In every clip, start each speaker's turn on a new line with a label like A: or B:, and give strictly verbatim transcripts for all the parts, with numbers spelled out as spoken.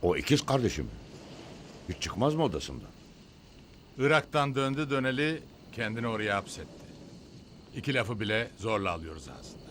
A: O ikiz kardeşim. Hiç çıkmaz mı odasından?
B: Irak'tan döndü döneli kendini oraya hapsetti. İki lafı bile zorla alıyoruz ağzından.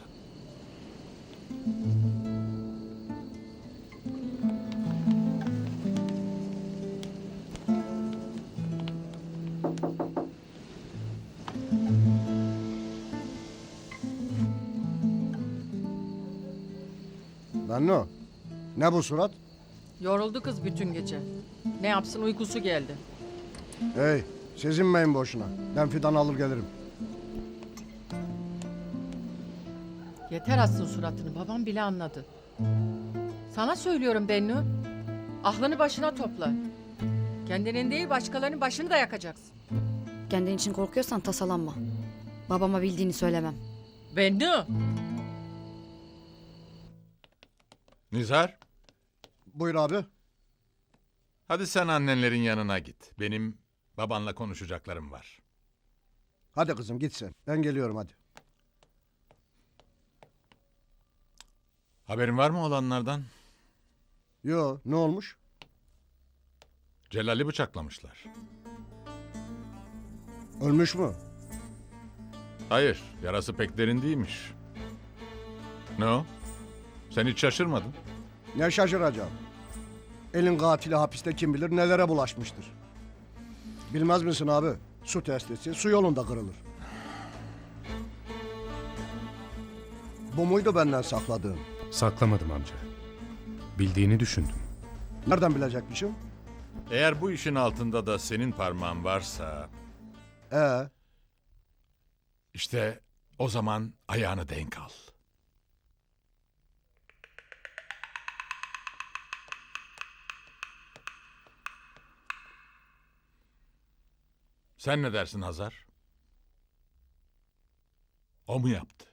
C: Bennu, ne bu surat?
D: Yoruldu kız bütün gece. Ne yapsın uykusu geldi.
C: Hey, siz inmeyin boşuna. Ben fidan alır gelirim.
D: Yeter assın suratını, babam bile anladı. Sana söylüyorum Bennu. Aklını başına topla. Kendinin değil başkalarının başını da yakacaksın.
E: Kendin için korkuyorsan tasalanma. Babama bildiğini söylemem.
D: Bennu!
B: Nizar,
C: Buyur abi.
B: hadi sen annenlerin yanına git. Benim babanla konuşacaklarım var.
C: Hadi kızım git sen. Ben geliyorum hadi.
B: Haberin var mı olanlardan?
C: Yo, ne olmuş?
B: Celal'i bıçaklamışlar.
C: Ölmüş mü?
B: Hayır, yarası pek derin değilmiş. Ne o? Sen hiç şaşırmadın.
C: Ne şaşıracağım. Elin katili hapiste kim bilir nelere bulaşmıştır. Bilmez misin abi? Su testisi su yolunda kırılır. Bu muydu benden sakladığın?
F: Saklamadım amca. Bildiğini düşündüm.
C: Nereden bilecekmişim?
B: Eğer bu işin altında da senin parmağın varsa...
C: Ee,
B: işte o zaman ayağını denk al. Sen ne dersin Hazar? O mu yaptı?